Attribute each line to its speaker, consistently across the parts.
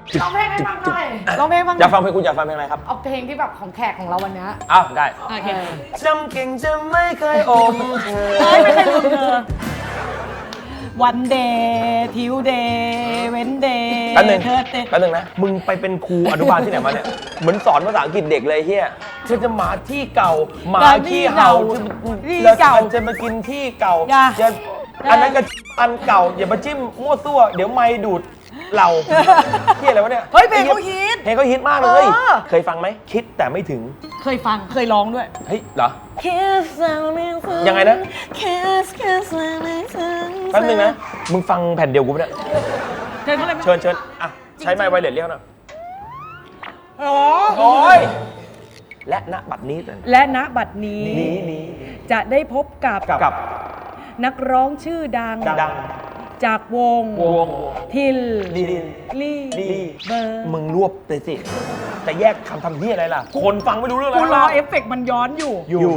Speaker 1: ร้องเพลงให้ฟังหน่อย
Speaker 2: ร้องเพลงบ้าง
Speaker 3: อยากฟังเพลงคุณอยากฟังเพลงอะไรครับ
Speaker 1: เอาเพลงที่แบบของแขกของเราวันนี้
Speaker 3: อ้าวได้
Speaker 2: โอเค
Speaker 3: จำเก่งจะไม่เคยอมเธอ
Speaker 2: เอ้ยไม่เคยลืมเธอวันเดย์ทิวเดย์เวนเดย์
Speaker 3: แป๊บนึง
Speaker 2: เธอเต
Speaker 3: แป๊บนึงนะมึงไปเป็นครูอนุบาลที่ไหนมาเนี่ยเหมือนสอนภาษาอังกฤษเด็กเลยเฮียเธอจะมาที่เก่าหมาขี้เห่า
Speaker 2: ที่
Speaker 3: แล้ว
Speaker 2: เก่า
Speaker 3: มันจะมากินที่เก่า
Speaker 2: อย่า
Speaker 3: จะอันนั้นก็อันเก่าอย่ามาจิ้มมั่วซั่วเดี๋ยวไม่ดูดเราเฮียอะไรวะเนี่ย
Speaker 2: เฮ้ยเพลงเขาฮิต
Speaker 3: เพลงเขาฮิตมากเลย
Speaker 2: เออ
Speaker 3: เคยฟังไหมคิดแต่ไม่ถึง
Speaker 2: เคยฟังเคยร้องด้วย
Speaker 3: เฮ้ยเหรอ
Speaker 2: Kiss
Speaker 3: ยังไงนะ
Speaker 2: Kiss Kiss
Speaker 3: แป๊บนึงนะมึงฟังแผ่นเดียวกูปะเนี่ย
Speaker 2: เชิญเขาเลยไหม
Speaker 3: เชิญเชิญอ่ะใช้ไมค์ไวเลสเรียกหน่อย
Speaker 2: อ๋อ
Speaker 3: โอ้ยและณบัดนี้
Speaker 2: และณบัดนี้
Speaker 3: นี้
Speaker 2: จะได้พบกับ
Speaker 3: กับ
Speaker 2: นักร้องชื่อดัง
Speaker 3: ดัง
Speaker 2: จากวง
Speaker 3: วง
Speaker 2: ทิล
Speaker 3: ดี
Speaker 2: ลี่
Speaker 3: ดี
Speaker 2: เบอร์
Speaker 3: มึงรวบเลยสิแต่แยกคำทำที่อะไรล่ะ คนฟังไม่รู้เรื่อง
Speaker 2: กู
Speaker 3: อะไร
Speaker 2: รอเอฟเฟกต์มันย้อนอยู่
Speaker 3: อยู่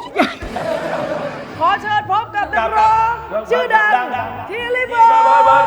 Speaker 2: ขอเชิญพบกับนักร้องชื่อดังทิลลี่เบอร์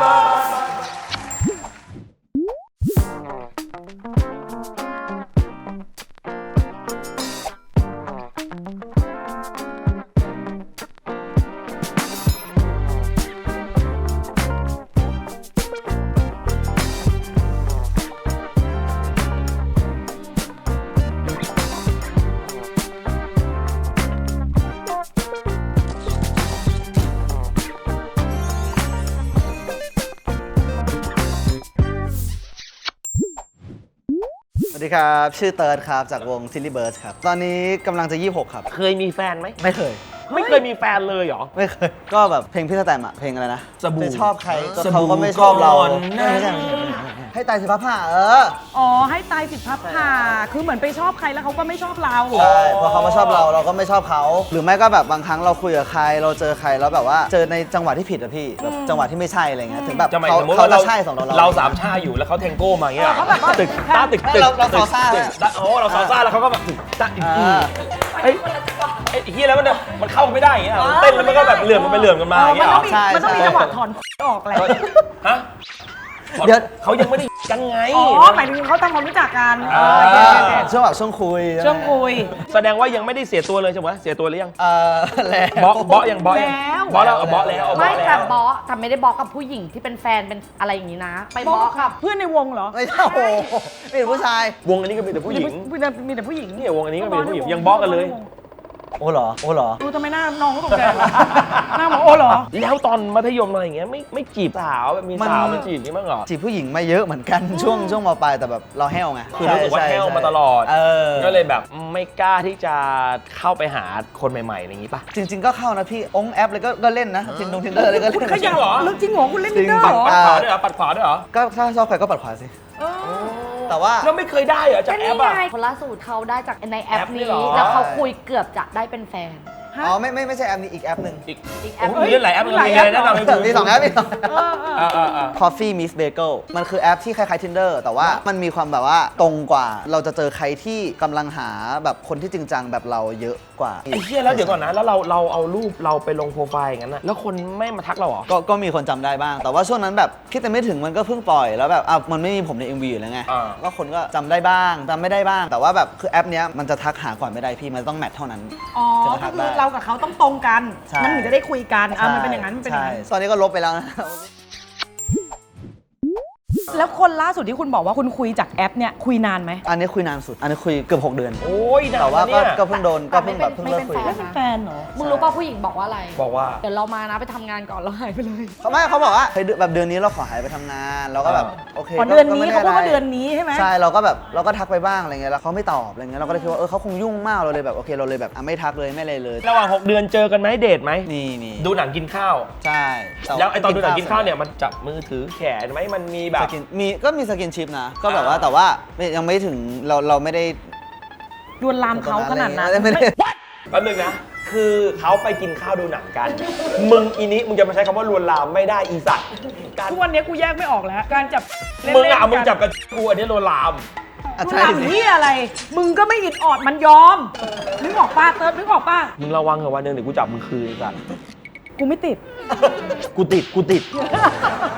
Speaker 4: สวัสดีครับ ชื่อเติร์ดครับ จากวง Silly Birds ครับ ตอนนี้กำลังจะ 26 ครับ
Speaker 3: เคยมีแฟนไหม
Speaker 4: ไม่เคย
Speaker 3: ไม่เคยมีแฟนเลยเหรอ
Speaker 4: ไม่เคย ก็แบบเพลงพี่สแตมอะเพลงอะไรนะ
Speaker 3: สบู่
Speaker 4: ไปชอบใครก็
Speaker 3: สบู่
Speaker 4: เขาก็ไม่ชอบเรา
Speaker 3: ก่อนนะ
Speaker 4: ไม่ใช่ให้ตายสิพับผ้า
Speaker 2: อ๋อให้ตายสิพับผ่าคือเหมือนไปชอบใครแล้วเขาก็ไม่ชอบเรา
Speaker 4: ใช่พอเขามาชอบเราเราก็ไม่ชอบเขา หรือไม่ก็แบบบางครั้งเราคุยกับใคร เราเจอใครแล้วแบบว่าเจอในจังหวะที่ผิดอะพี่แบบจังหวะที่ไม่ใช่อะไรเงี้ยถึงแบบ
Speaker 3: จะหมาย
Speaker 4: เขา
Speaker 3: สมมติ
Speaker 4: เขา
Speaker 3: ว่า
Speaker 4: จะใช่สำหรับเรา
Speaker 3: เราสามชาอยู่แล้วเขาแทงโก้มาอย่างเงี้ย
Speaker 2: เขาแบบว่า
Speaker 3: ตึกตาตึกตึก
Speaker 4: เราซอซ่า
Speaker 3: ตึกตาโอ้เราซอซ่าแล้วเขาก็แบบตึกตาอีก เฮ้ยไอ้เฮียแล้วมันเข้าไม่ได้อย่างเงี้ยเต้นแล้วมันก็แบบเหลื่อมกันไปเหลื่อมกันมาอย่างเงี้ยเหรอ
Speaker 2: มันต้องมีจังหวะถอนออกแหละ
Speaker 3: ฮะ
Speaker 4: เดี๋ยว
Speaker 3: เขายังไม่ได้กันไง
Speaker 2: อ๋อหมายถึงเขาทำความรู้จักกัน
Speaker 4: ช่วงแบบช่วงคุย
Speaker 2: ช่วงคุย
Speaker 3: แสดงว่ายังไม่ได้เสียตัวเลยใช่ไหมเสียตัวหรือยัง
Speaker 4: แล้ว
Speaker 3: บอสยังบอสยัง
Speaker 2: แล้ว
Speaker 3: บอสแล้วบอสแล้วบอ
Speaker 1: ไม่
Speaker 3: ส
Speaker 1: แต่
Speaker 3: แล้ว
Speaker 1: บอสแต่ไม่ได้บอกกับผู้หญิงที่เป็นแฟนเป็นอะไรอย่างนี้นะ ไปบอกกับ
Speaker 2: เพื่อนในวงเหรอ
Speaker 4: ไม่ใช่โอ้โหไม่เป็นผู้ชาย
Speaker 3: วงอันนี้ก็มีแต่ผู้หญิง
Speaker 2: มีแต่ผู้หญิง
Speaker 3: เนี่ยวงอันนี้ก็มีแต่ผู้หญิงยังบอสกันเลย
Speaker 4: โอ้เหรอโอ้เหรอ
Speaker 2: ดูทำไมหน้าน้องเขาตกใจหน้าบอกโอ้เหรอ
Speaker 3: แล้วตอนมัธยมอะไรอย่างเงี้ยไม่จีบสาวแบบมีสาวมาจีบนี่มั้งเหรอ
Speaker 4: จีบผู้หญิงมาเยอะเหมือนกันช่วงมปลายแต่แบบเราแห้วไง
Speaker 3: คือรู้สึกว่า
Speaker 4: ใช่
Speaker 3: แห้วมา
Speaker 4: ใช่
Speaker 3: ตลอด
Speaker 4: ก็
Speaker 3: ก็เลยแบบไม่กล้าที่จะเข้าไปหาคนใหม่ๆอะไรอย่างงี้ป่ะ
Speaker 4: จริง ๆ ก็เข้านะพี่องค์แอปเลยก็เล่นนะทินดงทินเดอร์เลยก็
Speaker 2: คุณ
Speaker 4: เล่น
Speaker 2: ขยัน
Speaker 3: เหรอ
Speaker 2: เรื่องจริงเหรอคุณเล่นดินเนอร์
Speaker 4: จริง
Speaker 2: เหรอ
Speaker 3: ปัดขวาด้วยเหรอปัดขวาด้วยเหรอ
Speaker 4: ก็ถ้าชอบใครก็ปัดขวาสิ แต่ว่า
Speaker 3: แล้วไม่เคยได้เหรอจาก
Speaker 1: ก็
Speaker 3: แอ
Speaker 1: นี่
Speaker 3: ปอ่ะ
Speaker 1: ไงคนล่าสุดเขาได้จากในแอ
Speaker 3: แอ
Speaker 1: ป
Speaker 3: ปนี่
Speaker 1: นี้
Speaker 3: เหรอ
Speaker 1: แล้วเขาคุยเกือบจะได้เป็นแฟน
Speaker 4: อ๋อไม่ใช่แอปนี้อีกแอปหนึ่ง
Speaker 3: อีก
Speaker 1: อีกแอ
Speaker 3: โอ้
Speaker 1: ป
Speaker 3: โหมีเล่นหลายแอปเลยมีอะไรแนะนำให้กู
Speaker 4: มีสองแอปมีสอง
Speaker 3: อ่า
Speaker 4: Coffee Miss Bagel มันคือแอปที่คล้ายๆ Tinder แต่ว่ามันมีความแบบว่าตรงกว่าเราจะเจอใครที่กำลังหาแบบคนที่จริงจังแบบเราเยอะกว่า
Speaker 3: ไอ้เหี้ยแล้วเดี๋ยวก่อนนะแล้วเราเอารูปเราไปลงโปรไฟล์อย่างนั้นนะแล้วคนไม่มาทักเราเหรอ
Speaker 4: ก็มีคนจำได้บ้าง แต่ว่าช่วงนั้นแบบคิดแต่ไม่ถึงมันก็เพิ่งปล่อยแล้วแบบมันไม่มีผมใน MV อยู่แล้วไง
Speaker 3: อ่า
Speaker 4: ก็คนก็จำได้บ้างจำไม่ได้บ้าง แต่ว่าแบบคือแอปเนี้ยมันจะทักหาก่อนไม่ได้พี่มันต้องแมทเท่านั้น
Speaker 2: อ๋อ ก็คือเรากับเขาต้องตรงกัน
Speaker 4: ใช่
Speaker 2: มันถึงจะได้คุยกันมันเป็นอย่างนั้นมันเป็นอย่างนั้น
Speaker 4: ใช่ตอนนี้ก็ลบไปแล้วนะ
Speaker 2: แล้วคนล่าสุดที่คุณบอกว่าคุณคุยจากแอปเนี่ยคุยนานไหม
Speaker 4: อันนี้คุยนานสุด อันนี้คุยเกือบ6 เดือน
Speaker 3: โอ้ยนาน
Speaker 4: แต่ว่า
Speaker 3: นะเนี่ย
Speaker 4: ก็เพิ่งโดนก็เพิ่งแบบเพิ่งเลิกคุย
Speaker 1: ไม่
Speaker 2: ไม่
Speaker 1: เป็น
Speaker 2: เป็น
Speaker 1: แฟ
Speaker 2: แฟ
Speaker 1: น
Speaker 2: นเหรอ
Speaker 1: มึงรู้ป่ะผู้หญิงบอกว่าอะไร
Speaker 3: บอกว่า
Speaker 1: เดี๋ยวเรามานะไปทำงานก่อนแล้วหายไปเลย
Speaker 4: เขาบอกว่าเฮ้ยแบบเดือนนี้เราขอหายไปทำงานเราก็แบบโอเค
Speaker 2: อ๋อเดือนนี้
Speaker 4: ก็ไม่
Speaker 2: เขาพูดว่า
Speaker 4: ไะไร
Speaker 2: เดือนนี้ใช่ไหม
Speaker 4: ใช่เราก็แบบเราก็ทักไปบ้างอะไรเงี้ยแล้วเขาไม่ตอบอะไรเงี้ยเราก็เลยคิดว่าเขาคงยุ่งมากเราเลยแบบโอเคเราเลยแบบไม่ทักเลยไม่อะไรเลย
Speaker 3: ระหว่าง 6 เดือนเจอกันไหมเดทไหม
Speaker 4: มี
Speaker 3: ดูหนังกินข้าว
Speaker 4: ใช่ต่
Speaker 3: แล้วไอตอนดูหนังกินข้าวเนี่ยมันจับมือถือแขนไหมมันมีแบบ
Speaker 4: สกินก็มีสกินชิปนะก็แบบว่าแต่ว่ายังไม่ถึงเราไม่ได้
Speaker 2: ลวนลามเขาขนาดนั้น
Speaker 4: ไม่ได้
Speaker 3: แป๊บนึงนะ คือเขาไปกินข้าวดูหนังกัน มึงอีนี้มึงจะมาใช้คำว่าลวนลามไม่ได้อีสัตว์การ
Speaker 2: ทุกวันนี้กูแยกไม่ออกแล้ว การจับเล่น
Speaker 3: มึงอะ
Speaker 2: ๆ
Speaker 3: มึงจับกับกูอันนี้ลวนลาม
Speaker 4: อ่ะ
Speaker 2: ลวน
Speaker 4: ใช่
Speaker 2: ลาม
Speaker 4: สิ
Speaker 2: ที่อะไร มึงก็ไม่อิดออดมันยอม นึกออกป้าเติร์ดนึกออกป้า
Speaker 3: มึงระวังเถอะวันหนึงเดี๋ยวกูจับมึงคืนไอ้สัตว์
Speaker 2: กูไม่ติด
Speaker 3: กูติด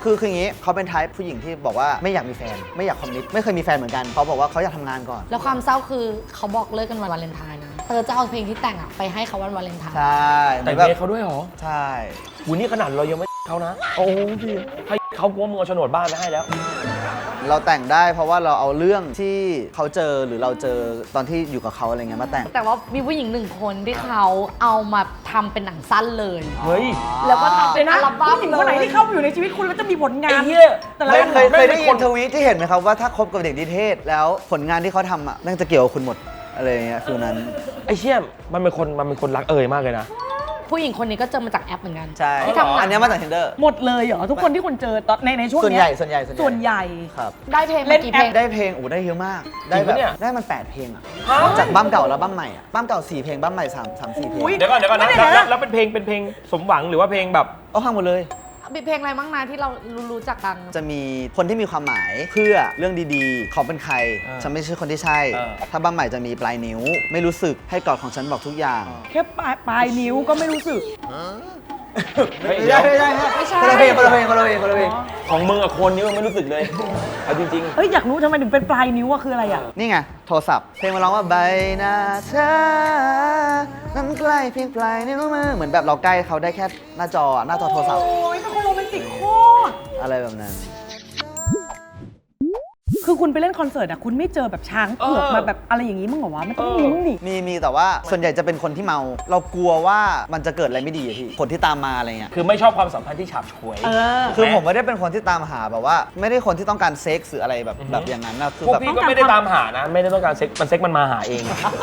Speaker 4: คืออย่างงี้เขาเป็นไทป์ผู้หญิงที่บอกว่าไม่อยากมีแฟนไม่อยากคอมมิตไม่เคยมีแฟนเหมือนกันเขาบอกว่าเขาอยากทำงานก่อน
Speaker 1: แล้วความเศร้าคือเขาบอกเลิกกันวันวาเลนไทน์นะเตอจะเอาเพลงที่แต่งอะไปให้เขาวันวาเลนไทน์
Speaker 4: ใช่
Speaker 3: แต่ง
Speaker 4: แบบ
Speaker 3: เพลงเขาด้วยเหรอ
Speaker 4: ใช่
Speaker 3: วันนี้ขนาดเรายังไม่เขานะ โอ้พี่ให้เขากลัวมึงเอาโฉนดบ้านไปให้แล้ว
Speaker 4: เราแต่งได้เพราะว่าเราเอาเรื่องที่เขาเจอหรือเราเจอตอนที่อยู่กับเขาอะไรเงี้ยมาแต่ง
Speaker 1: แต่ว่ามีผู้หญิง1 คนที่เขาเอามาทำเป็นหนังสั้นเลย
Speaker 3: เฮ้ย
Speaker 1: แล้วก็ทำเป็นอัลบั้ม
Speaker 2: ผู้หญิงคนไหนที่เข้ามาอยู่ในชีวิตคุณแล้วจะมีผลงา
Speaker 3: ไอ้
Speaker 2: น
Speaker 3: เหี้ย
Speaker 2: แต่ละ
Speaker 4: ไม่
Speaker 2: อัน
Speaker 4: เคยได้
Speaker 3: ไม่
Speaker 4: ยิ
Speaker 3: คน น
Speaker 4: ทวีตที่เห็นไหมครับว่าถ้าคบกับเด็กนิเทศแล้วผลงานที่เขาทำอ่ะแม่งจะเกี่ยวกับคุณหมดอะไรเงี้ยฟิลนั้น
Speaker 3: ไอ้เชี่ยมันเป็นคนรักมากเลยนะ
Speaker 1: ผู้หญิงคนนี้ก็เจอมาจากแอปเหมือนกัน
Speaker 4: ใช่
Speaker 1: ที่ทำหนัง
Speaker 4: อันเนี้ยมาจาก Tinder
Speaker 2: หมดเลยเหรอทุกคนที่คุณเจอตอนในช่วง
Speaker 4: ส่วน
Speaker 2: เนี้
Speaker 4: ใหญ่
Speaker 2: ย
Speaker 4: ส่วนใหญ่
Speaker 2: ส่วนใหญ่
Speaker 4: ครับ
Speaker 1: ได้เพลง
Speaker 2: เล่
Speaker 1: มาน กี่
Speaker 2: แอ
Speaker 1: เพล
Speaker 2: ป
Speaker 1: ง
Speaker 4: ได้เพลงได้เยอะมากได้แบบ
Speaker 3: จริงปะเนี่ย
Speaker 4: ได้มัน8เพลงอ่ะจากบั้มเก่าแล้วบั้มใหม่อ่ะบั้มเก่า4เพลงบั้มใหม่3-4เพลง
Speaker 2: อุ๊ย
Speaker 3: เดี๋ยวก่อนนะ
Speaker 2: ไม่ได้นะ
Speaker 3: แล้วเป็นเพลงสมหวังหรือว่าเพลงแบบ
Speaker 4: เอาฟังหมดเลย
Speaker 1: มีเพลงอะไรบ้างนะที่เรารู้จักกัน
Speaker 4: จะมีคนที่มีความหมายเพื่อเรื่องดีๆเขาเป็นใคร ฉันไม่ใช่คนที่ใช่ ถ้าบั้มใหม่จะมีปลายนิ้ว ไม่รู้สึกให้กอดของฉันบอกทุกอย่าง
Speaker 2: แค่ปลายนิ้วก็ไม่รู้สึก
Speaker 3: เฮ้ย
Speaker 4: ไม่
Speaker 3: เดี๋ยว
Speaker 4: ใช่ไม่ใช่คนละเพลงคนละเพลงคนละเพลงคนละเพลง
Speaker 3: ของมึงกับคนนี้มันไม่รู้สึกเลย เอาจริง
Speaker 2: เอ้ยอยากรู้ทำไมถึงเป็นปลายนิ้วอะคืออะไรอะ
Speaker 4: นี่ไงโทรศัพท์เพลงมาร้องว่าใบหน้าเธอนั้นใกล้เพียงปลายนิ้วมือเหมือนแบบเราใกล้เขาได้แค่หน้าจอหน้าจอโทรศัพท์
Speaker 2: โอ้ยเป็นคนโรแมนติกโคตร
Speaker 4: อะไรแบบนั้น
Speaker 2: คือคุณไปเล่นคอนเสิร์ตอะคุณไม่เจอแบบช้างเผือกมาแบบอะไรอย่างนี้มึงเหรอวะมันต้องมีมึงดิ
Speaker 4: มีแต่ว่าส่วนใหญ่จะเป็นคนที่เมา เรากลัวว่ามันจะเกิดอะไรไม่ดีอะพี่ผลที่ตามมาอะไรเงี้ย
Speaker 3: ๆ คือไม่ชอบความสัมพันธ์ที่ฉาบฉวย
Speaker 2: เออ
Speaker 4: คือผมไม่ได้เป็นคนที่ตามหาแบบว่า ไม่ได้คนที่ต้องการเซ็กซ์หรืออะไรแบบอย่างนั้นนะคือ
Speaker 3: พวก
Speaker 4: แบบ
Speaker 3: พี่ก็ไม่ได้ตามหานะ ไม่ได้ต้องการเซ็กมันมาหาเอง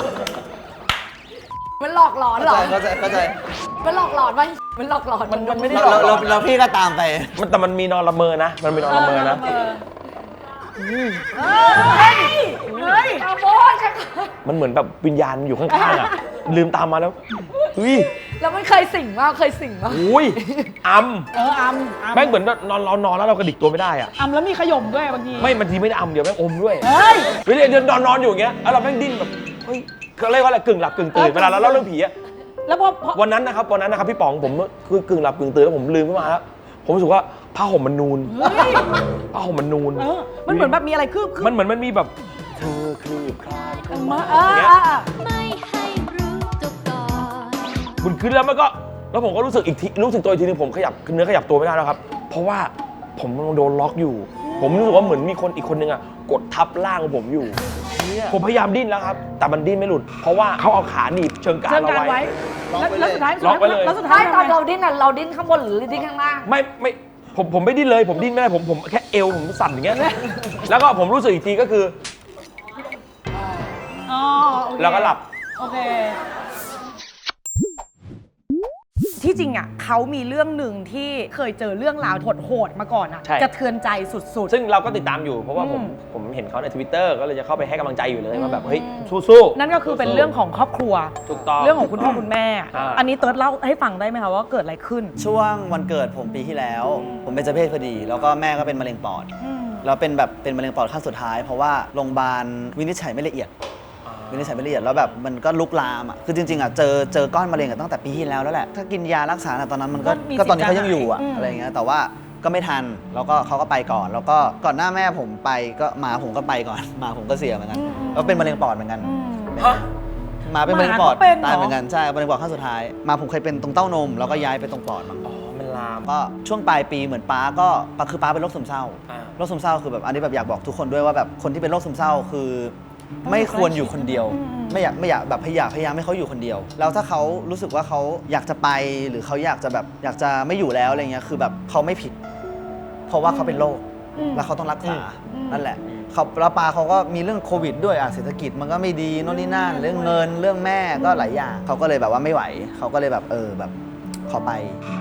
Speaker 1: มันหลอกหลอนเหรอ
Speaker 4: เข้าใจ
Speaker 1: มันหลอกหลอนว่ามันหลอกหลอน
Speaker 3: มันไม่ได้
Speaker 4: เราพี่ก็ตามไป
Speaker 3: แต่มันมีนอนละเมอนะ มันมีนอนละเมอนะ
Speaker 2: เฮ้ย
Speaker 1: อาโมดค่ะ
Speaker 3: มันเหมือนแบบวิญญาณอยู่ข้างๆอ่ะ ลืมตามมาแล้วอุ้ย
Speaker 1: แล้วมันเคยสิ่งว่าเคยสิ่งว่า
Speaker 3: อุ้ยอัม
Speaker 2: อัม
Speaker 3: แม่งเหมือนเรานอนแล้วเรากระดิกตัวไม่ได้อ่ะ
Speaker 2: อัมแล้วมีขย่มด้วยบางที
Speaker 3: ไม่บางทีไม่ได้อัมเดี๋ยวแม่งอมด้วย
Speaker 2: เฮ้ย
Speaker 3: เดี๋ยวเดินนอนอยู่อย่างเงี้ยแล้วเราแม่งดิ้นแบบเฮ้ยเขาเรียกว่าอะไรกึ่งหลับกึ่งตื่นเวลาเราเล่าเรื่องผีอะ
Speaker 2: แล้วพอ
Speaker 3: วันนั้นนะครับพี่ป๋องผมคือกึ่งหลับกึ่งตื่นแล้วผมลืมขึ้นมาแล้วผมรู้สึกว่าผ้าห่มมันนูนผ้าห่มมันนูน
Speaker 2: มันเหมือนแบบมีอะไรคืบ
Speaker 3: มันเหมือนมันมีแบบเธอคลืบคลานเข้ามา
Speaker 2: มา
Speaker 3: อย่างเงี้ย
Speaker 5: ไม่ให้รู้ตัวก่อน
Speaker 3: คุณขึ้นแล้วมันก็แล้วผมก็รู้สึกอีกทีรู้สึกตัวอีกทีนึงผมขยับเนื้อขยับตัวไม่ได้แล้วครับ เพราะว่าผมโดนล็อกอยู่ ผมรู้สึกว่าเหมือนมีคนอีกคนนึงอะกดทับร่างของผมอยู่ผมพยายามดิ้นแล้วครับ แต่มันดิ้นไม่หลุด เพราะว่าเขาเอาขาหนีบเชิงกราน
Speaker 2: เชิง
Speaker 3: เรา
Speaker 2: การไว้
Speaker 3: ไว้
Speaker 2: แล้วสุดท้าย
Speaker 3: ล็อกไว้เลย
Speaker 2: แล้วสุดท้า
Speaker 1: ไม่
Speaker 2: ย
Speaker 1: ตอนเราดิ้นอ่ะเราดิ้นข้างบนหรือดิ้นข้างล่าง
Speaker 3: ไม่ผมไม่ดิ้นเลยผมดิ้นไม่ได้ผมแค่เอวผมสั่นอย่างเงี้ยแล้วก็ผมรู้สึกอีกทีก็คือ
Speaker 2: อ๋อโอเค
Speaker 3: แล้วก็หลับ
Speaker 2: โอเค ที่จริงอ่ะเขามีเรื่องหนึ่งที่เคยเจอเรื่องราวโหดๆมาก่อนอ่ะ
Speaker 3: ใช่
Speaker 2: กระเทือนใจสุด
Speaker 3: ซึ่งเราก็ติดตามอยู่เพราะว่าผม
Speaker 2: อืม
Speaker 3: ผมเห็นเขาใน Twitter ก็เลยจะเข้าไปให้กำลังใจอยู่เลยว่าแบบเฮ้ยสู้
Speaker 2: ๆ นั่นก็คือเป็นเรื่องของครอบครัว
Speaker 3: ถูกต้อง
Speaker 2: เรื่องของคุณพ่อคุณแม่
Speaker 3: อั
Speaker 2: นนี้เติร์ดเล่าให้ฟังได้ไหมคะว่าเกิดอะไรขึ้น
Speaker 4: ช่วงวันเกิดผมปีที่แล้ว ผมเป็นเจ้าเพศพอดี แล้วก็แม่ก็เป็นมะเร็งปอด แล้วเป็นมะเร็งปอดขั้นสุดท้าย เพราะว่าโรงพยาบาลวินิจฉัยไม่ละเอียด วินิจฉัยไม่ละเอียดแล้วแบบมันก็ลุกลามอ่ะคือจริงๆอ่ะเจอก้อนมะเร็งตั้งแต่ปีที่แล้วแหละถ้ากินยารักษาตอนนั้นมันก็
Speaker 2: ก็มี
Speaker 4: ก็ตอนนี้
Speaker 2: สิทธิ์
Speaker 4: เขายังอยู่อ่ะ
Speaker 2: จะหาย
Speaker 4: อะไรเงี้ยแต่ว่าก็ไม่ทันแล้วก็เขาก็ไปก่อน แล้วก็ก่อนหน้าแม่ผมไปก็หมาผมก็ไปก่อน หมาผมก็เสียเหมือนกันแล้วเป็นมะเร็งปอดเหมือนกัน
Speaker 3: ฮะ
Speaker 4: หมาเป็นมะเร็งปอด
Speaker 2: หมาก็เป็นเหรอ
Speaker 4: ตายเหมือนกันใช่มะเร็งปอดขั้นสุดท้ายหมาผมเคยเป็นตรงเต้านมแล้วก็ย้ายไปตรงปอดมั้ง
Speaker 3: อ๋อมันลาม
Speaker 4: ก็ช่วงปลายปีเหมือนป้าก็คือป้าเป็นโรคซึมเศร้า
Speaker 3: อ่า
Speaker 4: โรคซึมเศร้าคือแบบอันนี้แบบอยากบอกทุกคนด้วยว่าแบบคนที่เป็นโรคซึมเศร้าคือ ไม่ควรอยู่คนเดียว ไม่อยากแบบพยายามให้เขาอยู่คนเดียว แล้วถ้าเขารู้สึกว่าเขาอยากจะไปหรือเขาอยากจะไม่อยู่แล้วอะไรเงี้ยคือแบบเขาไม่ผิด เพราะว่าเขาเป็นโรคแล้วเขาต้องรักษานั่นแหละเขาแล้วปาเขาก็มีเรื่องโควิดด้วยเศรษฐกิจมันก็ไม่ดีโน่นนี่นั่นเรื่องเงินเรื่องแม่ก็หลายอย่างเขาก็เลยแบบว่าไม่ไหวเขาก็เลยแบบแบบขอไป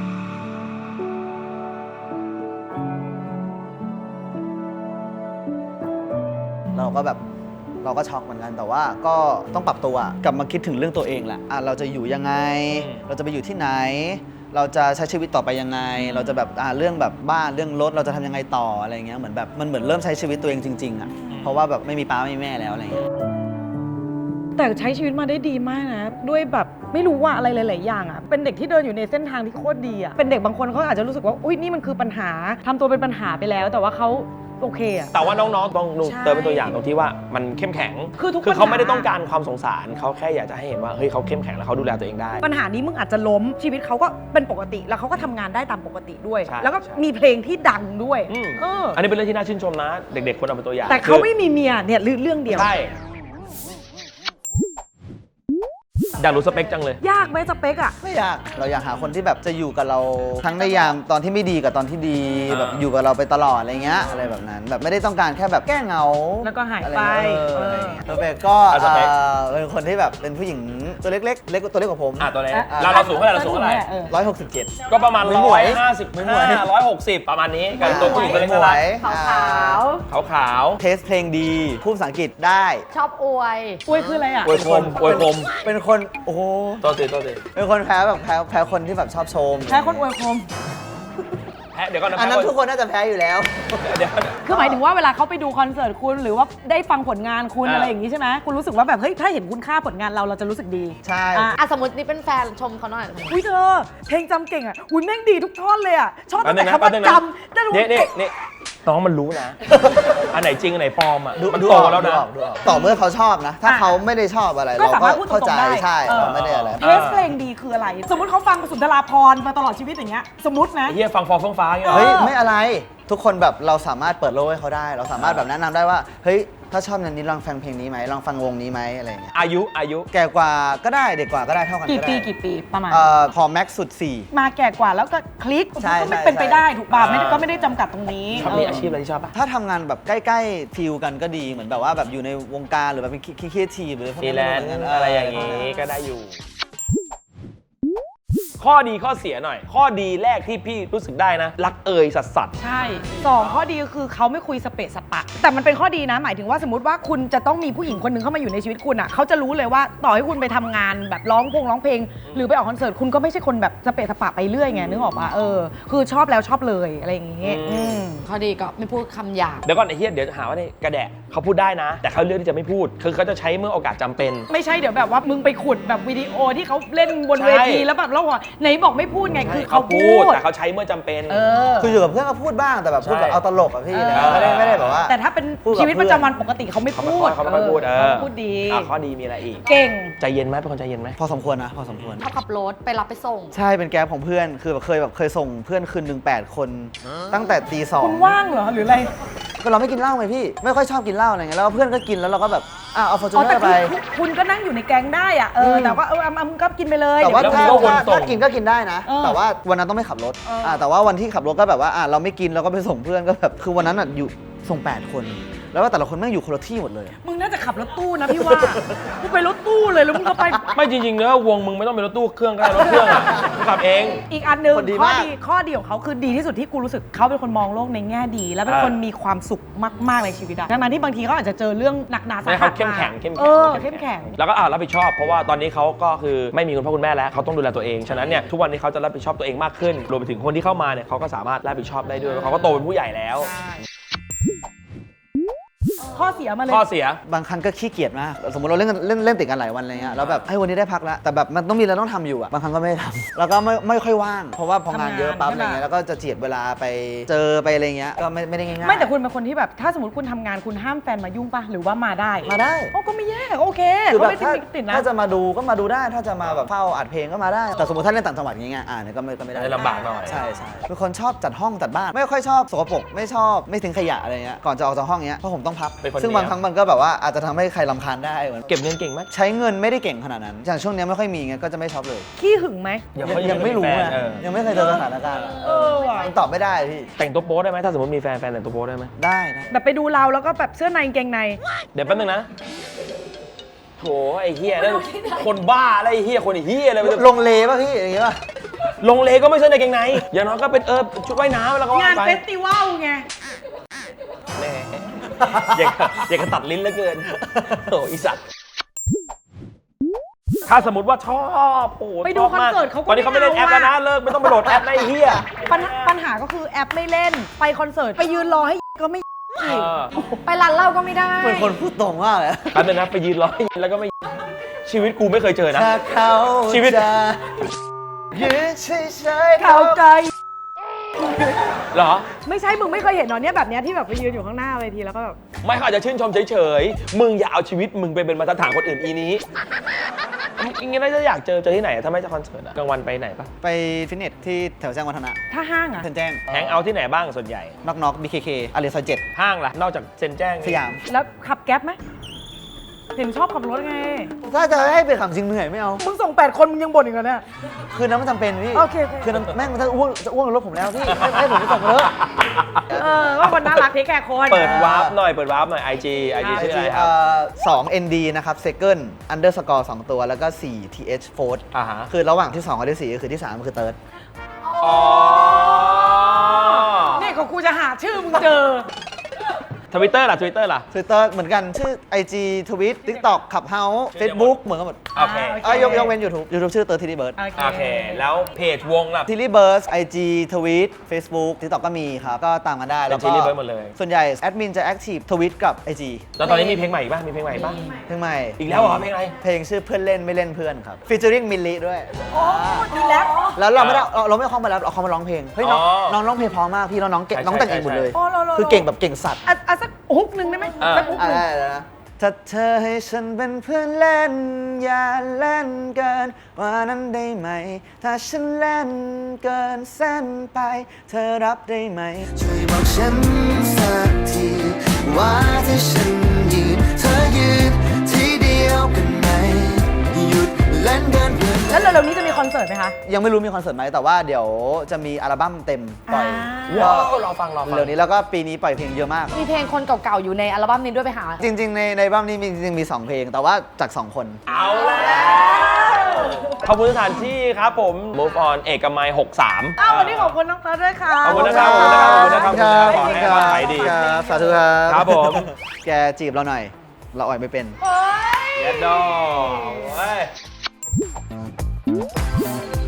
Speaker 4: เราก็ช็อกเหมือนกันแต่ว่าก็ต้องปรับตัวกลับมาคิดถึงเรื่องตัวเองแหละเราจะอยู่ยังไง เราจะไปอยู่ที่ไหน เราจะใช้ชีวิตต่อไปยังไง เราจะแบบเรื่องแบบบ้านเรื่องรถเราจะทำยังไงต่ออะไรเงี้ยเหมือนแบบมันเหมือนเริ่มใช้ชีวิตตัวเองจริงๆอ่ะเพราะว่าแบบไม่มีป้าไม่มีแม่แล้วอะไรเงี้ย
Speaker 2: แต่ใช้ชีวิตมาได้ดีมากนะด้วยแบบไม่รู้ว่าอะไรหลายๆอย่างอ่ะเป็นเด็กที่เดินอยู่ในเส้นทางที่โคตรดีอ่ะเป็นเด็กบางคนเขาอาจจะรู้สึกว่าอุ้ยนี่มันคือปัญหาทำตัวเป็นปัญหาไปแล้ว แต่ว่าเขาโอเคอ่ะ
Speaker 3: แต่ว่าน้องๆต้อง
Speaker 2: ใช่
Speaker 3: เติมเป็นตัวอย่างตรงที่ว่ามันเข้มแข็ง
Speaker 2: คือทุก
Speaker 3: เขา
Speaker 2: ปัญหา
Speaker 3: ไม่ได้ต้องการความสงสารเขาแค่อยากจะให้เห็นว่าเฮ้ยเขาเข้มแข็งแล้วเขาดูแลตัวเองได้
Speaker 2: ปัญหานี้มึงอาจจะล้มชีวิตเขาก็เป็นปกติแล้วเขาก็ทำงานได้ตามปกติด้วย
Speaker 3: ใช่
Speaker 2: แล้วก็
Speaker 3: ใช่
Speaker 2: มีเพลงที่ดังด้วย
Speaker 3: อืม
Speaker 2: เออ
Speaker 3: อันนี้เป็นเรื่องที่น่าชื่นชมนะ เด็กๆควรเอาเป็นตัวอย่าง
Speaker 2: แต่เขาไม่มีเมียเนี่ยเรื่องเดียว
Speaker 3: ใช่อยากรู้สเปคจังเลย
Speaker 2: ยากไหมสเปคอะ
Speaker 4: ไม่อยากเราอยากหาคนที่แบบจะอยู่กับเราทั้งในยามตอนที่ไม่ดีกับตอนที่ดี
Speaker 3: อ่า
Speaker 4: แบบอยู่กับเราไปตลอดอะไรเงี้ยอะไรแบบนั้นแบบไม่ได้ต้องการแค่แบบแก้เหงา
Speaker 2: แล้วก็หาย
Speaker 4: อะไร
Speaker 2: ไป
Speaker 4: เงี้ย
Speaker 2: เออ
Speaker 4: สเปคก็
Speaker 3: สเปค
Speaker 4: เป็นคนที่แบบเป็นผู้หญิงตัวเล็กๆเล็กตัวเล็กกว่าผม
Speaker 3: ตัวเล็ก
Speaker 2: อ่ะ
Speaker 3: เราสูงเท่าไหร่เราสูงเท่าไหร่
Speaker 2: เออ
Speaker 4: 167
Speaker 3: ก็ประมาณ
Speaker 4: ไม่หมวยไม่หมวย
Speaker 3: 155 160 ประมาณนี้กันตัวผู้หญิงตัวเล็ก
Speaker 4: หม
Speaker 3: น่ารั
Speaker 4: วย
Speaker 2: ขาวๆ
Speaker 3: กขาว
Speaker 4: เทสเพลงดีพูดภาษาอังกฤษได้
Speaker 1: ชอบอวย
Speaker 2: อุ้ยคืออะไรอะ
Speaker 3: ๆอวยคมอวยคม
Speaker 4: เป็นคนโอ้โห
Speaker 3: ตัวตี
Speaker 4: เป็นคนแพ้แบบแพ้คนที่แบบชอบชม
Speaker 2: แพ้คนอวยคม
Speaker 3: แพ้เดี๋ยวก่อนนะ
Speaker 4: อันนั้นทุกคนน่าจะแพ้อยู่แล้ว
Speaker 3: เดี๋ยว
Speaker 2: คือหมายถึงว่าเวลาเขาไปดูคอนเสิร์ตคุณหรือว่าได้ฟังผลงานคุณ
Speaker 3: อ่า
Speaker 2: อะไรอย่างนี้ใช่ไหมคุณรู้สึกว่าแบบเฮ้ยถ้าเห็นคุณค่าผลงานเราจะรู้สึกดี
Speaker 4: ใช่
Speaker 2: อ่ะ
Speaker 1: อ่ะสมมตินี่เป็นแฟนชมเขาหน่อย
Speaker 2: อุ้ยเธอเพลงจำเก่งอ่ะอุ้ยแม่งดีทุกท่อนเลยอ่ะชอบ
Speaker 3: แป๊
Speaker 2: ตั้
Speaker 3: บ
Speaker 2: ง
Speaker 3: นึ
Speaker 2: แต่
Speaker 3: งนะ
Speaker 2: คำ
Speaker 3: แป๊
Speaker 2: ว่า
Speaker 3: บนึงนะ
Speaker 2: จำได้รู้
Speaker 3: นี่น้องมันรู้นะ อันไหนจริงอันไหนปลอมอ่ะมัน
Speaker 4: ดู
Speaker 3: โต
Speaker 4: ออก
Speaker 3: แล้ว
Speaker 4: ดู
Speaker 3: นะ
Speaker 4: ออกดูออกต่อเมื่อเขาชอบนะ ถ้าเขาไม่ได้ชอบอะไร
Speaker 2: ก็
Speaker 4: เรา
Speaker 2: สา
Speaker 4: ก็
Speaker 2: มารถพูดตร
Speaker 4: เข้าง ใจ
Speaker 2: ๆได้
Speaker 4: ใช่
Speaker 2: เออ
Speaker 4: เราไม่ได้อะไร
Speaker 2: เทสเพลงดีคืออะไร สมมติเขาฟังสุนทราภรณ์มาตลอดชีวิตอย่างเงี้ยสมมตินะ
Speaker 3: ไอ้เฮียฟังฟอร์เฟื่องฟ้าอย่างเงี้ย
Speaker 4: เฮ้ย
Speaker 2: เออ
Speaker 4: ไม่อะไรทุกคนแบบเราสามารถเปิดโลกให้เขาได้ เราสามารถแบบแนะนำได้ว่าเฮ้ยถ้าชอบแนวนี้ลองฟังเพลงนี้ไหมลองฟังวงนี้ไหมอะไรอย่างเงี้ย
Speaker 3: อายุ
Speaker 4: แก่กว่าก็ได้เด็กกว่าก็ได้เท่ากัน
Speaker 2: กี่
Speaker 4: ก็
Speaker 2: ปี
Speaker 4: ได้
Speaker 2: กี่ปีประมาณ
Speaker 4: พอแม็กซ์สุด
Speaker 2: มาแก่กว่าแล้วก็คลิก
Speaker 4: ใช่
Speaker 2: ก็ไม่
Speaker 4: ใช่
Speaker 2: เป็นไปได้ถูกป่ะ
Speaker 3: อ่า
Speaker 2: ก็ไม่ได้จำกัดตรงนี้
Speaker 3: ชอบมีอาชีพอะไรที่ชอบปะ
Speaker 4: ถ้าทำงานแบบใกล้ๆฟิลกันก็ดีเหมือนแบบว่าแบบอยู่ในวงการหรือแบบเป็นครีเอทีฟหรือพวก
Speaker 3: ฟรี
Speaker 4: นี้
Speaker 3: แลนซ์อะไรอย่างงี้ก็ได้อยู่ ข้อดีข้อเสียหน่อย ข้อดีแรกที่พี่รู้สึกได้นะ รักเอ่ยสัส
Speaker 2: ใช่2ข้อดีก็คือเขาไม่คุยสเปะสปะ แต่มันเป็นข้อดีนะ หมายถึงว่าสมมติว่าคุณจะต้องมีผู้หญิงคนหนึ่งเข้ามาอยู่ในชีวิตคุณอ่ะเขาจะรู้เลยว่าต่อให้คุณไปทำงานแบบร้องเพลง หรือไปออกคอนเสิร์ตคุณก็ไม่ใช่คนแบบสเปะสปะไปเรื่อยไงนึกออกปะคือชอบแล้วชอบเลยอะไรอย่างงี้
Speaker 1: ข้อดีก็ไม่พูดคำหยาบ
Speaker 3: ๆเดี๋ยวก่อนไอ้เฮียเดี๋ยวหาว่านี่กระแดะเขาพูดได้นะ แต่เขาเลือกที่จะไม่พูด คือเขาจะใช้เมื่อโอกาสจำเป็น
Speaker 2: ไม่ใช่เดี๋ยวแบบว่ามึงไปขุดแบบวิดีโอที่เขาเล่นบนเวที
Speaker 3: ใช่
Speaker 2: แล้วแบบเราบอกไหนบอกไม่พูดไงคือเขา
Speaker 3: พู
Speaker 2: พู
Speaker 3: ด
Speaker 2: ด
Speaker 3: แต่เขาใช้เมื่อจำเป็น
Speaker 4: คืออยู่กับเพื่อนก็พูดบ้างแต่แบบพูดแบบ
Speaker 3: ใช่
Speaker 4: เอาตลกอะพี่
Speaker 2: เออ
Speaker 4: ไม่ได้แบบว่า
Speaker 2: แต่ถ้าเป็น
Speaker 4: พูดกับ
Speaker 2: ชีวิตประจำวันปกติเขาไม่
Speaker 3: เขาไม่
Speaker 2: พู
Speaker 3: ค่อ
Speaker 2: ด
Speaker 3: ยเขาไม่ค่อยพูด
Speaker 2: เขาพูดดี
Speaker 3: ข้อดีมีอะไรอีก
Speaker 2: เก่ง
Speaker 3: ใจเย็นไหมเป็นคนใจเย็นไหม
Speaker 4: พอสมควรนะพอสมควร
Speaker 1: ชอบขับรถไปรับไปส่ง
Speaker 4: ใช่เป็นแก๊ปของเพื่อนคือแบบเคยส่งเพื่อนคืนหนึ่ง8 คนตั้งแต่ตี
Speaker 2: คุณว่างเหรอหรืออะไร
Speaker 4: ก็เราไม่กินเหล้าไงพี่ไม่ค่อยชอบกินเหล้าอะไรเงี้ยแล้วเพื่อนก็กินแล้วเราก็แบบเอาฟอร์จู
Speaker 2: อ๋อ
Speaker 4: เนอ
Speaker 2: แต่
Speaker 4: ร์ไป
Speaker 2: คุณก็นั่งอยู่ในแก๊งได้อะแต่ว่ามึงก็กินไปเลย
Speaker 4: แต่ว่า
Speaker 3: เดี๋ยว
Speaker 4: ถ้า
Speaker 3: มึงก็วนส่ง
Speaker 4: ถ้ากินก็กินได้นะ
Speaker 2: เออ
Speaker 4: แต่ว่าวันนั้นต้องไม่ขับรถแต่ว่าวันที่ขับรถก็แบบว่าเราไม่กินเราก็ไปส่งเพื่อนก็แบบคือวันนั้นอยู่ส่ง8 คน แล้วว่าแต่ละคนแม่งอยู่คนละที่หมดเลย
Speaker 2: มึงน่าจะขับรถตู้นะพี่ว่ากูไปรถตู้เลยแล้วมึงก็ไป
Speaker 3: ไม่จริงๆเนอะวงมึงไม่ต้องเป็นรถตู้เครื่องก็ได้รถเครื่องอ่ะมึงขับเอง
Speaker 2: อีกอันหนึ่ง
Speaker 4: คนดี
Speaker 2: ข้อ
Speaker 4: มาก
Speaker 2: ดีของเขาคือดีที่สุดที่กูรู้สึกเขาเป็นคนมองโลกในแง่ดี แล้วเป็นคนมีความสุขมากๆในชีวิตอะทั้งนั้นที่บางทีเขาอาจจะเจอเรื่องหนักหนาสา
Speaker 3: ให้
Speaker 2: หั
Speaker 3: เขา
Speaker 2: ส
Speaker 3: เข้มแข็ง
Speaker 2: เข้มแข็ง
Speaker 3: แล้วก็รับผิดชอบ เพราะว่าตอนนี้เขาก็คือไม่มีคุณพ่อคุณแม่แล้วเขาต้องดูแลตัวเอง ฉะนั้นเนี่ยทุกวันนี้เขาจะรับผิดชอบตัวเองมากขึ้น รวมไปถึงคนที่เข้ามาเนี่ยเขาก็สามารถรับผิดชอบได้ด้วยเขาก็โตเป็นผู้ใหญ่แล้ว
Speaker 2: ข้อเสียมาเลย
Speaker 3: ข้อเสีย
Speaker 4: บางครั้งก็ขี้เกียจมากสมมติเราเล่นติดกันหลายวันอะไรเงี้ยแล้วแบบให้วันนี้ได้พักแล้วแต่แบบมันต้องมีอะไรต้องทำอยู่อะบางครั้งก็ไม่ได้ทำแล้วก็ไม่ค่อยว่างเพราะว่าพองานเยอะปั๊บอะไรเงี้ยแล้วก็จะเจียดเวลาไปเจอไปอะไรเงี้ยก็ไม่ได้ง่ายๆ
Speaker 2: ไม่แต่คุณเป็นคนที่แบบถ้าสมมติคุณทำงานคุณห้ามแฟนมายุ่งป่ะหรือว่ามาได้
Speaker 4: มาได้
Speaker 2: โอ้ก็ไม่แย่โอเค
Speaker 4: คือ
Speaker 2: ก็
Speaker 4: แบบ
Speaker 2: ไม่
Speaker 4: ถ้า
Speaker 2: ติดนะ
Speaker 4: ถ้าจะมาดูก็มาดูได้ถ้าจะมาแบบเฝ้าอัดเพลงก็มาได้ แต่สมมติถ้าเล่นต่างจังหวัดอย่างเงี้ยเนี่ยก็ไม่ได้
Speaker 3: ลำบากหน่อย
Speaker 4: ใช่เป็นคนชอบจัดห้องจัดบ้านไม่ค่อยชอบสกปรกไม่ชอบไม่ทิ้งขยะอะไรเงี้ยก่อนจะออกจากห้องเงี้ยเพราะผมต้องพับ
Speaker 3: เป็นคน
Speaker 4: ซึ่งบางครั้งมันก็แบบว่าอาจจะทำให้ใครรำคาญได้เหมือน
Speaker 3: เก็บเงินเก่งไหม
Speaker 4: ใช้เงินไม่ได้เก่งขนาดนั้นอย่างช่วงเนี้ยไม่ค่อยมีไงก็จะไม่ช็อปเลย
Speaker 2: ขี้หึงไหม
Speaker 4: ยังไม่รู้
Speaker 3: แฟน
Speaker 4: นะยังไม่เคยเจอสถานการณ์
Speaker 2: ว่ะ
Speaker 4: ยังตอบไม่ได้พี่
Speaker 3: แต่งตัวโป๊ได้ไหมถ้าสมมติมีแฟนแต่งตัวโป๊ได้ไหม
Speaker 4: ได้นะ
Speaker 2: แบบไปดูเราแล้วก็แบบเสื้อในกางเกงใน
Speaker 3: เดี๋ยวแป๊บนึงนะโถไอ้เฮียนั่นคนบ้าอะไรไอ้เฮียคนไอ้เฮียอะไร
Speaker 4: ลงเลป่ะพี่อย่างงี้ป่ะ
Speaker 3: ลงเลก็ไม่ใช่ในเกงในอย่างน้อยก็เป็นชุดว่ายน้ำแล้วก็
Speaker 2: งาน
Speaker 3: ไป
Speaker 2: เฟสติวัลไง
Speaker 3: แม่อยากจะตัดลิ้นเหลือเกินโอ้อีสัตว์ถ้าสมมติว่าชอบโอ้โห
Speaker 2: ไปดู
Speaker 3: ชบม
Speaker 2: คอนเสิร์ตเขาก็
Speaker 3: ตอนนี้เขาไม่เล่นแอป
Speaker 2: ไม่
Speaker 3: แล้ว
Speaker 2: เอา
Speaker 3: นะเลิกไม่ต้องไปโหลดแอปนะไอ้เหี้ย
Speaker 2: ปัญหาก็คือแอปไม่เล่นไปคอนเสิร์ตไปยืนรอให้ก็ไม่อีก
Speaker 1: ไปร้านเหล้าก็ไม่ได้
Speaker 4: เป็นคนพูดตรงมากเลย
Speaker 3: แป๊บนึงนะไปยืนรอแล้วก็ไม่ชีวิตกูไม่เคยเจอนะ
Speaker 4: ถ้าเขา
Speaker 3: ชีวิต
Speaker 4: จะยืนเฉยๆ
Speaker 2: เข้าใจ
Speaker 3: เหรอ
Speaker 2: ไม่ใช่มึงไม่เคยเห็นหรอเนี่ยแบบเนี้ยที่แบบไปยืนอยู่ข้างหน้าเวทีแล้วก็แบบ
Speaker 3: ไม่เขาอาจจะชื่นชมเฉยๆ มึงอย่าเอาชีวิตมึงไปเป็นมาตรฐานคนอื่นอีนี้อย่างงี้น่าจะอยากเจอที่ไหนอะถ้าไม่จะคอนเสิร์ตอะกลางวันไปไหนปะ
Speaker 4: ไปฟิตเนสที่แถวแจ้งวัฒนะ
Speaker 2: ถ้าห้างอะ
Speaker 4: เซนแจ้ง
Speaker 3: แฮงเอาท์ที่ไหนบ้างส่วนใหญ่
Speaker 4: น็อก BKK อารีซอย7
Speaker 3: ห้างล่ะ นอกจากเซนแจ้ง
Speaker 4: สยาม
Speaker 2: แล้วขับแก๊ปไหมเห็นชอบขับรถไง
Speaker 4: ถ้าจะให้ไปขับจริงเหนื่อยไม่เอา
Speaker 2: มึงส่ง8 คนมึงยังบ่นอีกเหรอเนี่ย
Speaker 4: คือน้ำมันจำเป็นพี่
Speaker 2: โอเค
Speaker 4: คือน้ำแม่งมันจะอ้วกในรถผมแล้วพี่ให้ผมไปส่งเถอะ
Speaker 2: ว่าคนน่ารักที่แก่คน
Speaker 3: เปิดวาร์ปหน่อย เปิดวาร์ปหน่อย IG ชื่ออะไรครับ
Speaker 4: 2 ND นะครับ second underscore 2 ตัวแล้วก็4 TH fourth
Speaker 3: อ่าฮะ
Speaker 4: คือระหว่างที่ 2 กับที่ 4 ก็คือที่ 3 คือ third
Speaker 3: อ๋อ
Speaker 2: นี่ก็กูจะหาชื่อมึงเจอ
Speaker 3: ทวิตเตอร์ล่ะ Twitter ล่ะ
Speaker 4: Twitter เหมือนกันชื่อ IG Tweet TikTok Clubhouse Facebook เหมือนกันหมด
Speaker 3: โอเค
Speaker 4: ยกเว้น YouTube ชื่อ Tilly Bird
Speaker 3: โอเค แล้วเพจวงล่ะ
Speaker 4: Tilly Bird IG Tweet Facebook TikTok ก็มีครับ ก็ตามกันได้
Speaker 3: เป็น
Speaker 4: แล้วก็
Speaker 3: Tilly Bird หมดเลย
Speaker 4: ส่วนใหญ่แอดมินจะ Active Tweet กับ IG
Speaker 3: แล้วตอนนี้มีเพลงใหม่อีกป่ะ มีเพลงใหม่อีกป่ะ
Speaker 4: เพลงใหม่
Speaker 3: อีกแล้วเหรอเพลงอะไร
Speaker 4: เพลงชื่อเพื่อนเล่นไม่เล่นเพื่อนครับ featuring มิลลิด้วย
Speaker 2: ดีแล้ว
Speaker 4: แล้วเราไม่ได้เราไม่เข้ามาแล้วเราเข้ามาร้องเพลงเฮ้ยน้อง
Speaker 3: อ๋อ
Speaker 4: น้องร้องเพลงเพราะมากพี่แล้วน้องเก่ง
Speaker 3: ใช่
Speaker 4: น้องแต่งเองหมดเลย
Speaker 2: ใช่ใช่
Speaker 4: คือเก่งแบบเก่งสัตว์
Speaker 2: อ่ะสักฮุกหนึ่งได้ไหม
Speaker 3: อ่า
Speaker 2: สักฮุกหนึ่ง
Speaker 4: ได้นะถ้าเธอให้ฉันเป็นเพื่อนเล่นอย่าเล่นเกินว่านั้นได้ไหม ถ้าฉันเล่นเกินเส้นไป เธอรับได้ไหม ช่วยบอกฉันสักทีว่าถ้าฉันยืนเธอยืนที่เดียวกันไหมหยุดเล่นเกินเพื่อน
Speaker 2: แล้วเร็วๆนี้จะมีคอนเสิร์ตไหมคะ
Speaker 4: ยังไม่รู้มีคอนเสิร์ตไหมแต่ว่าเดี๋ยวจะมีอัลบั้มเต็มปล่อย
Speaker 3: ว้าวรอฟัง
Speaker 4: เร็วนี้แล้วก็ปีนี้ปล่อยเพลงเยอะมาก
Speaker 1: มีเพลงคนเก่าๆอยู่ในอัลบั้มนี้ด้วยไปหา
Speaker 4: จริงๆ ในอัลบั้มนี้มีจริงๆมี 2 เพลง แต่ว่าจาก 2 คน
Speaker 3: เอาแล้วขอบคุณสถานที่ครับผม Move On เอกมัย 63
Speaker 2: อ้าววันนี้ขอบคุณน้องเติร์ดด้วยค่ะ
Speaker 3: ขอบคุณนะครับ ขอบคุณนะครับ ขอให้ขายดี
Speaker 4: ครับสาธุครับ
Speaker 3: ครับผม
Speaker 4: แกจีบเราหน่อย เราอ่อยไม่เป็น
Speaker 3: เย็ดดอเว้ย